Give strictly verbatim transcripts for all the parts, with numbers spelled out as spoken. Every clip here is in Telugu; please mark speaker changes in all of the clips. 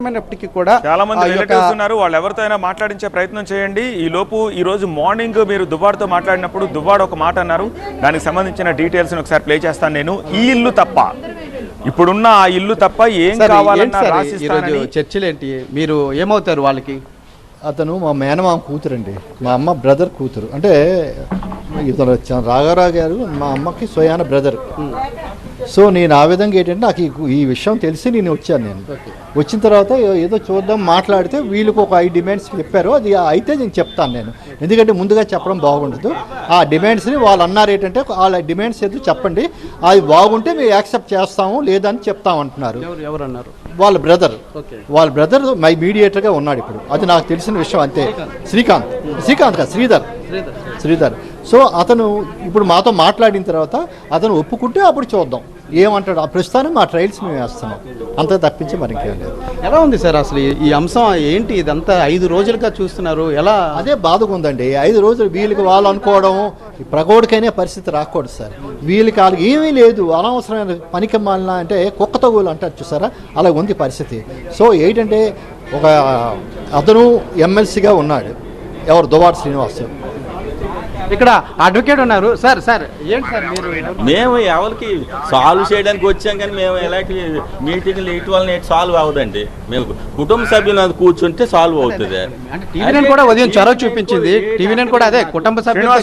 Speaker 1: అయినప్పటికీ కూడా
Speaker 2: చాలా మంది రిలేటివ్స్ ఉన్నారు, వాళ్ళు ఎవరితో అయినా మాట్లాడించే ప్రయత్నం చేయండి. ఈ లోపు ఈ రోజు మార్నింగ్ మీరు దువ్వాడతో మాట్లాడినప్పుడు దువ్వాడ ఒక మాట అన్నారు, దానికి సంబంధించిన డీటెయిల్స్ ఒకసారి ప్లే చేస్తాను నేను. ఈ ఇల్లు తప్ప, ఇప్పుడున్న ఆ ఇల్లు తప్ప ఏం కావాలన్నా రాసిస్తానని.
Speaker 1: చర్చలు ఏంటి, మీరు ఏమవుతారు వాళ్ళకి?
Speaker 3: అతను మా మేనమామ కూతురు అండి, మా అమ్మ బ్రదర్ కూతురు. అంటే ఇతను రాఘవరావు గారు మా అమ్మకి స్వయాన బ్రదర్. సో నేను ఆ విధంగా ఏంటంటే నాకు ఈ విషయం తెలిసి నేను వచ్చాను. నేను వచ్చిన తర్వాత ఏదో చూద్దాం మాట్లాడితే వీళ్ళకి ఒక ఐదు డిమాండ్స్ చెప్పారు. అది అయితే నేను చెప్తాను నేను, ఎందుకంటే ముందుగా చెప్పడం బాగుండదు. ఆ డిమాండ్స్ని వాళ్ళు అన్నారు ఏంటంటే వాళ్ళ డిమాండ్స్ ఏదో చెప్పండి, అది బాగుంటే మేము యాక్సెప్ట్ చేస్తాము, లేదని చెప్తామంటున్నారు.
Speaker 1: ఎవరు అన్నారు?
Speaker 3: వాళ్ళ బ్రదర్. వాళ్ళ బ్రదర్ మై మీడియేటర్గా ఉన్నాడు ఇప్పుడు, అది నాకు తెలిసిన విషయం అంతే. శ్రీకాంత్ శ్రీకాంత్ కాదు శ్రీధర్ శ్రీధర్ సో అతను ఇప్పుడు మాతో మాట్లాడిన తర్వాత అతను ఒప్పుకుంటే అప్పుడు చూద్దాం ఏమంటాడు. ఆ ప్రస్తుతానికి మా ట్రయల్స్ మేము వేస్తున్నాం, అంతా తప్పించి మరి ఇంకేం లేదు.
Speaker 1: ఎలా ఉంది సార్ అసలు ఈ అంశం ఏంటి? ఇదంతా ఐదు రోజులుగా చూస్తున్నారు, ఎలా?
Speaker 3: అదే బాధగా ఉందండి. ఐదు రోజులు వీళ్ళకి వాళ్ళు అనుకోవడం, ప్రగోడికైనా పరిస్థితి రాకూడదు సార్. వీళ్ళకి వాళ్ళకి ఏమీ లేదు, అనవసరమైన పనికి మాలిన అంటే కుక్క తగులు అంటారు చూసారా, అలా ఉంది పరిస్థితి. సో ఏంటంటే ఒక అతను ఎమ్మెల్సీగా ఉన్నాడు, ఎవరు దువ్వాడ శ్రీనివాస్.
Speaker 1: ఇక్కడ అడ్వకేట్ ఉన్నారు. సార్ సార్ ఏంటి సార్ మీరు?
Speaker 4: మేము ఎవరికి సాల్వ్ చేయడానికి వచ్చాం, కానీ మేము ఎలాంటి మీటింగ్లు ఇటు వల్ల సాల్వ్ అవ్వదండి. మేము కుటుంబ సభ్యులు కూర్చుంటే సాల్వ్ అవుతుంది.
Speaker 1: టీవీ నైన్ కూడా ఉదయం చొరవ చూపించింది. టీవీ నైన్ కూడా అదే కుటుంబ సభ్యులు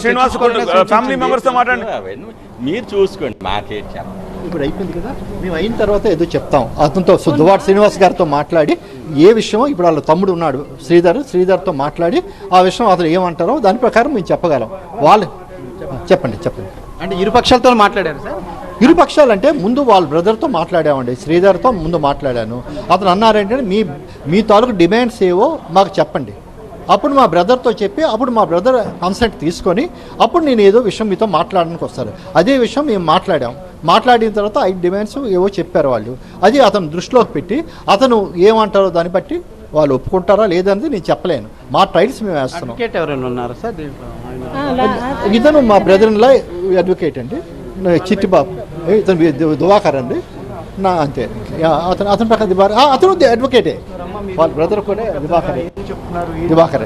Speaker 4: మీరు చూసుకోండి, మాకేం చెప్పండి.
Speaker 3: ఇప్పుడు అయిపోయింది కదా, మేము అయిన తర్వాత ఏదో చెప్తాం. అతనితో దువ్వాడ శ్రీనివాస్ గారితో మాట్లాడి ఏ విషయమో, ఇప్పుడు వాళ్ళ తమ్ముడు ఉన్నాడు శ్రీధర్, శ్రీధర్తో మాట్లాడి ఆ విషయం అతను ఏమంటారో దాని ప్రకారం మేము చెప్పగలం. వాళ్ళు చెప్పండి చెప్పండి
Speaker 1: అంటే ఇరు పక్షాలతో మాట్లాడారు సార్?
Speaker 3: ఇరు పక్షాలు అంటే ముందు వాళ్ళ బ్రదర్తో మాట్లాడామండి, శ్రీధర్తో ముందు మాట్లాడాను. అతను అన్నారంటే మీ మీ తాలూకు డిమాండ్స్ ఏవో మాకు చెప్పండి. అప్పుడు మా బ్రదర్తో చెప్పి అప్పుడు మా బ్రదర్ కన్సెంట్ తీసుకొని అప్పుడు నేను ఏదో విషయం మీతో మాట్లాడడానికి వస్తారు. అదే విషయం మేము మాట్లాడాం. మాట్లాడిన తర్వాత ఐదు డిమాండ్స్ ఏవో చెప్పారు వాళ్ళు, అది అతను దృష్టిలోకి పెట్టి అతను ఏమంటారో దాన్ని బట్టి వాళ్ళు ఒప్పుకుంటారా లేదనేది నేను చెప్పలేను. మా ట్రయల్స్ మేము వేస్తున్నాం.
Speaker 1: ఎవరైనా ఉన్నారా సార్?
Speaker 3: ఇతను మా బ్రదర్ ఇన్ లా అడ్వకేట్ అండి, చిట్టిబాబు. ఇతను దువాకర్ అండి నా, అంతే. అతను అతని ప్రకారం దివాకర్, అతను అడ్వకేటే. వాళ్ళ బ్రదర్ కూడా దివాకరే దివాకరే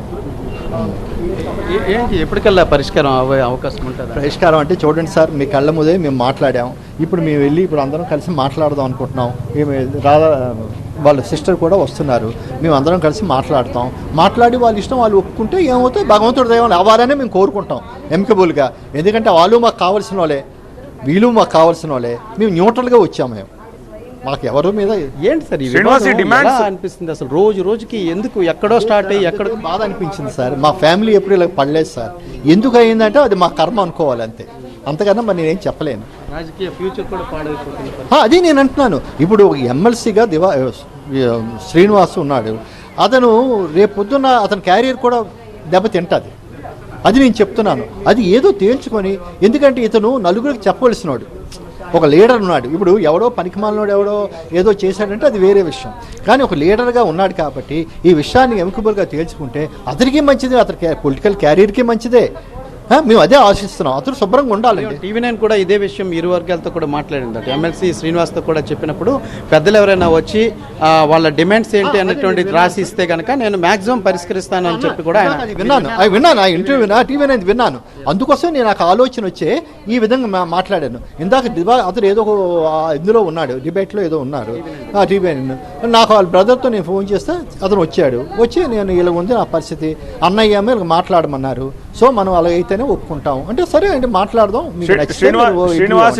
Speaker 1: ఏంటి ఎప్పటికల్లా పరిష్కారం అవ్వే అవకాశం ఉంటుంది?
Speaker 3: పరిష్కారం అంటే చూడండి సార్, మీ కళ్ళ ముందే మేము మాట్లాడాం. ఇప్పుడు మేము వెళ్ళి ఇప్పుడు అందరం కలిసి మాట్లాడదాం అనుకుంటున్నాం. మేము రాధా వాళ్ళ సిస్టర్ కూడా వస్తున్నారు, మేము అందరం కలిసి మాట్లాడతాం. మాట్లాడి వాళ్ళ ఇష్టం వాళ్ళు ఒప్పుకుంటే ఏమవుతాయి, భగవంతుడి దైవం అవ్వాలనే మేము కోరుకుంటాం ఎమికబుల్గా. ఎందుకంటే వాళ్ళు మాకు కావాల్సిన వాళ్ళే, వీళ్ళు మాకు కావాల్సిన వాళ్ళే. మేము న్యూట్రల్గా వచ్చాము. మేము మాకు ఎవరి మీద
Speaker 1: ఏంటి సార్ అనిపిస్తుంది అసలు? రోజు రోజుకి ఎందుకు ఎక్కడో స్టార్ట్ అయ్యి ఎక్కడో
Speaker 3: బాధ అనిపించింది సార్. మా ఫ్యామిలీ ఎప్పుడు ఇలా పడలేదు సార్. ఎందుకు అయిందంటే అది మా కర్మ అనుకోవాలి అంతే, అంతకన్నా మరి నేనేం చెప్పలేను.
Speaker 1: రాజకీయ ఫ్యూచర్ కూడా పాడైపోతుంది.
Speaker 3: అది నేను అంటున్నాను. ఇప్పుడు ఎమ్మెల్సీగా దివా శ్రీనివాస్ ఉన్నాడు, అతను రేపు పొద్దున్న అతని క్యారియర్ కూడా దెబ్బతింటుంది. అది నేను చెప్తున్నాను. అది ఏదో తేల్చుకొని, ఎందుకంటే ఇతను నలుగురికి చెప్పవలసినవాడు, ఒక లీడర్ ఉన్నాడు. ఇప్పుడు ఎవడో పనికిమాలినోడు ఎవడో ఏదో చేశాడంటే అది వేరే విషయం, కానీ ఒక లీడర్గా ఉన్నాడు కాబట్టి ఈ విషయాన్ని ఎమికబుల్గా తేల్చుకుంటే అతనికి మంచిదే, అతనికి పొలిటికల్ క్యారియర్కి మంచిదే. మేము అదే ఆశిస్తున్నాం, అతను శుభ్రంగా ఉండాలండి.
Speaker 1: టీవీ నైన్ కూడా ఇదే విషయం ఇరు వర్గాలతో కూడా మాట్లాడింది. ఎమ్మెల్సీ శ్రీనివాస్తో కూడా చెప్పినప్పుడు పెద్దలు ఎవరైనా వచ్చి వాళ్ళ డిమాండ్స్ ఏంటి అన్నటువంటిది రాసి ఇస్తే కనుక నేను మాక్సిమం పరిష్కరిస్తాను అని చెప్పి కూడా
Speaker 3: విన్నాను. అవి విన్నాను, ఆ ఇంటర్వ్యూ విన్నా, టీవీ నైన్ విన్నాను. అందుకోసం నేను నాకు ఆలోచన వచ్చే ఈ విధంగా మాట్లాడాను. ఇందాక దివా అతను ఏదో ఇందులో ఉన్నాడు, డిబేట్లో ఏదో ఉన్నారు టీవీ నైన్. నాకు వాళ్ళ బ్రదర్తో నేను ఫోన్ చేస్తే అతను వచ్చాడు. వచ్చి నేను ఇలా ఉంది నా పరిస్థితి, అన్నయ్య మీరు మాట్లాడమన్నారు. సో మనం అలాగైతేనే ఒప్పుకుంటాం అంటే సరే అంటే మాట్లాడదాం.
Speaker 2: శ్రీనివాస్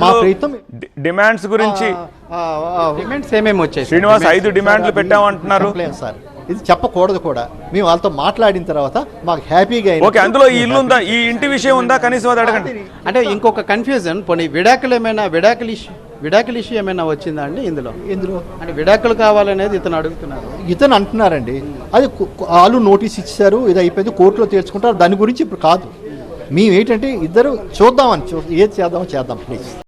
Speaker 2: డిమాండ్స్ గురించి
Speaker 1: డిమాండ్స్ ఏమేమి వచ్చాయి?
Speaker 2: శ్రీనివాస్ ఐదు డిమాండ్లు పెట్టామంటున్నారు
Speaker 3: సార్. ఇది చెప్పకూడదు కూడా. మేము వాళ్ళతో మాట్లాడిన తర్వాత మాకు హ్యాపీగా
Speaker 2: ఓకే. అందులో ఈ ఇల్లు ఉందా, ఈ ఇంటి విషయం ఉందా కనీసం అది అడగండి.
Speaker 1: అంటే ఇంకొక కన్ఫ్యూజన్, పోనీ విడాకులు ఏమైనా విడాకులు ఇష్యూ విడాకులు ఇష్యూ ఏమైనా వచ్చిందా అండి ఇందులో?
Speaker 3: ఇందులో
Speaker 1: అంటే విడాకులు కావాలనేది ఇతను అడుగుతున్నారు.
Speaker 3: ఇతను అంటున్నారండి, అది వాళ్ళు నోటీస్ ఇచ్చారు, ఇది అయిపోయింది, కోర్టులో తీర్చుకుంటారు. దాని గురించి ఇప్పుడు కాదు. మేము ఏంటంటే ఇద్దరు చూద్దామని, ఏది చేద్దామో చేద్దాం ప్లీజ్.